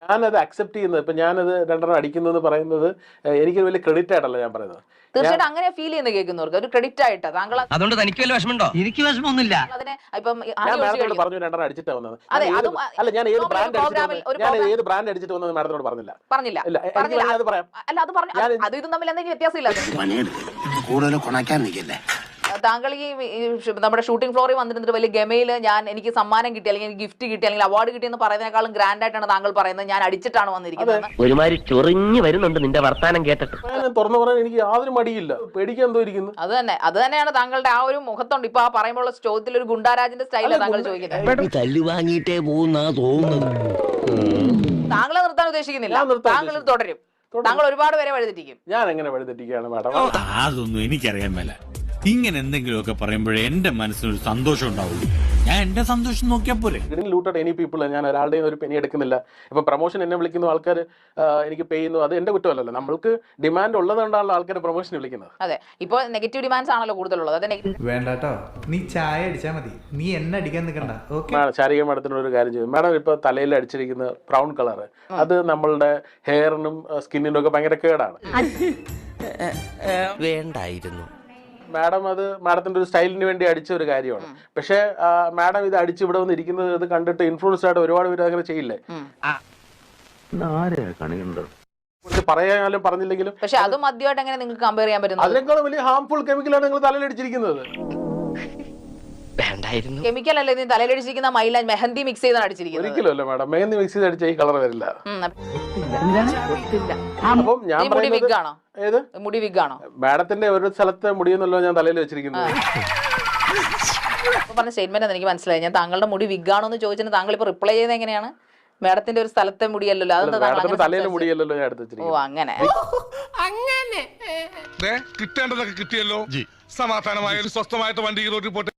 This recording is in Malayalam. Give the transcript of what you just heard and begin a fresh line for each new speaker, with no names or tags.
ഞാനത് അക്സെപ്റ്റ് ചെയ്യുന്നത്, ഇപ്പൊ ഞാനത് രണ്ടെണ്ണം അടിക്കുന്നു എന്ന് പറയുന്നത് എനിക്കൊരു വലിയ ക്രെഡിറ്റ് ആയിട്ടല്ല ഞാൻ പറയുന്നത്.
തീർച്ചയായിട്ടും അങ്ങനെ ഫീൽ ചെയ്യുന്ന കേൾക്കുന്നവർക്ക് ഒരു ക്രെഡിറ്റ് ആയിട്ട് താങ്കൾ.
അതുകൊണ്ട് തനിക്ക് വല്ല വിഷമമുണ്ടോ? എനിക്ക് വിഷമമൊന്നുമില്ല.
അതിനെ ഇപ്പം
ഞാൻ മാഡത്തിനോട് പറഞ്ഞു രണ്ടെണ്ണം അടിച്ചിട്ടാ വന്നത്.
അതെ,
അല്ല, ഞാൻ ഏത് ബ്രാൻഡ് അടിച്ചിട്ട് വന്നത് മാഡത്തിനോട് പറഞ്ഞില്ല. അത് പറയാം.
അല്ല, അത് പറഞ്ഞു. അത് ഇതും തമ്മിൽ എന്തെങ്കിലും വ്യത്യാസമില്ല. താങ്കൾ ഈ നമ്മുടെ ഷൂട്ടിംഗ് ഫ്ലോറിൽ വന്നിരുന്നിട്ട് വലിയ ഗമയില് എനിക്ക് സമ്മാനം കിട്ടി, അല്ലെങ്കിൽ ഗിഫ്റ്റ് കിട്ടി, അല്ലെങ്കിൽ അവാർഡ് കിട്ടിയെന്ന് പറയുന്നതിനേക്കാളും ഗ്രാൻഡ് ആയിട്ടാണ് താങ്കൾ പറയുന്നത് ഞാൻ അടിച്ചിട്ടാണ് വന്നിരിക്കുന്നത്.
ഒരുമാതിരി ചൊറിഞ്ഞു വരുന്നുണ്ട് നിന്റെ വർത്താനം കേട്ടിട്ട്.
തുറന്നു പറയാൻ എനിക്ക് യാതൊരു മടിയില്ല. പേടിക്കാൻ എന്തോ ഇരിക്കുന്നു.
അത് തന്നെയാണ് താങ്കളുടെ ആ ഒരു മുഖത്തുണ്ട്. ഇപ്പൊ ആ പറയുമ്പോൾ ചോദ്യത്തിൽ ഒരു ഗുണ്ടാരാജിന്റെ സ്റ്റൈലാണ് താങ്കൾ ചോദിക്കുന്നത്.
തല്ലുവാങ്ങിയിട്ടേ പോകുന്ന തോന്നുന്നു.
താങ്കളെ നിർത്താൻ ഉദ്ദേശിക്കുന്നില്ല, താങ്കൾ തുടരും. താങ്കൾ ഒരുപാട് പേരെ വഴിതെറ്റിക്കും.
ഞാൻ എങ്ങനെ വഴിതെറ്റിക്കുകയാണ് മാഡം?
അതൊന്നും എനിക്കറിയാൻ മേല. ഇങ്ങനെ എന്തെങ്കിലുമൊക്കെ പറയുമ്പോഴേ എന്റെ മനസ്സിനൊരു സന്തോഷം ഉണ്ടാവുള്ളൂ. ഞാൻ എന്റെ സന്തോഷം നോക്കിയാൽ പോലെ.
Looted any people. ഞാൻ ഒരാളുടെയും ഒരു പെനി എടുക്കുന്നില്ല. ഇപ്പൊ പ്രൊമോഷൻ എന്നെ വിളിക്കുന്ന ആൾക്കാർ എനിക്ക് പേ ചെയ്യുന്നു, അത് എന്റെ കുറ്റമല്ലല്ലോ. നമ്മൾക്ക് ഡിമാൻഡ് ഉള്ളതുകൊണ്ടാണല്ലോ ആൾക്കാർ പ്രൊമോഷൻ വിളിക്കുന്നത്.
അതെ, ഇപ്പൊ നെഗറ്റീവ് ഡിമാൻഡ്സ് ആണല്ലോ കൂടുതലുള്ളത്.
വേണ്ടാട്ടോ, നീ ചായ അടിച്ചാ മതി, നീ എന്നെ അടിക്കാൻ നിൽക്കണ്ട.
ശാരിക മാഡത്തിനോട് ഒരു കാര്യം ചെയ്യും. മാഡം ഇപ്പൊ തലയിൽ അടിച്ചിരിക്കുന്ന ബ്രൗൺ കളർ, അത് നമ്മളുടെ ഹെയറിനും സ്കിന്നിനും ഒക്കെ ഭയങ്കര കേടാണ്.
വേണ്ടായിരുന്നു.
മാഡം അത് മാഡത്തിന്റെ ഒരു സ്റ്റൈലിന് വേണ്ടി അടിച്ച ഒരു കാര്യമാണ്. പക്ഷെ മാഡം ഇത് അടിച്ച് ഇവിടെ വന്ന് ഇരിക്കുന്നത് ഇത് കണ്ടിട്ട് ഇൻഫ്ലുവൻസ്ഡ് ആയിട്ട് ഒരുപാട് പേര് അങ്ങനെ ചെയ്യില്ലേ? പറയാനും പറഞ്ഞില്ലെങ്കിലും.
പക്ഷെ അത് മദ്യമായിട്ട് എങ്ങനെ നിങ്ങൾക്ക് കമ്പയർ ചെയ്യാൻ പറ്റും?
അതിനേക്കാളും വലിയ ഹാംഫുൾ കെമിക്കലാണ് നിങ്ങൾ തലയിൽ അടിച്ചിരിക്കുന്നത്.
കെമിക്കൽ അല്ലേ നീ തലയിലടിച്ചിരിക്കുന്ന? മൈലാഞ്ച് മെഹന്തി മിക്സ് ചെയ്താണ് അടിച്ചിരിക്കുന്നത്.
ഒരിക്കലും അല്ല മാഡം, മെഹന്തി മിക്സ് ചെയ്ത് അടിച്ച ഈ കളർ വരില്ല. അപ്പം ഞാൻ
മുടി വിഗാണോ?
ഏത്
മുടി വിഗാണോ?
മാഡത്തിന്റെ ഒരു സ്ഥലത്തെ മുടിയെന്നല്ലോ ഞാൻ തലയിൽ വെച്ചിരിക്കുന്നത്.
പറഞ്ഞ സ്റ്റേറ്റ്മെന്റ് എനിക്ക് മനസ്സിലായി. ഞാൻ താങ്കളുടെ മുടി വിഗാണോ എന്ന് ചോദിച്ചിട്ട് താങ്കൾ ഇപ്പൊ റിപ്ലൈ ചെയ്യുന്നത് എങ്ങനെയാണ്? മാഡത്തിന്റെ ഒരു സ്ഥലത്തെ മുടിയല്ലോ, അതെന്താ
തലയിലെ മുടിയല്ലോ ഞാൻ എടുത്ത് വെച്ചിരിക്കുന്നത്.
ഓ, അങ്ങനെ
കിട്ടേണ്ടതൊക്കെ കിട്ടിയല്ലോ. സമാധാനമായ സ്വസ്ഥമായിട്ട് വണ്ടി റോഡിൽ പോട്ടെ.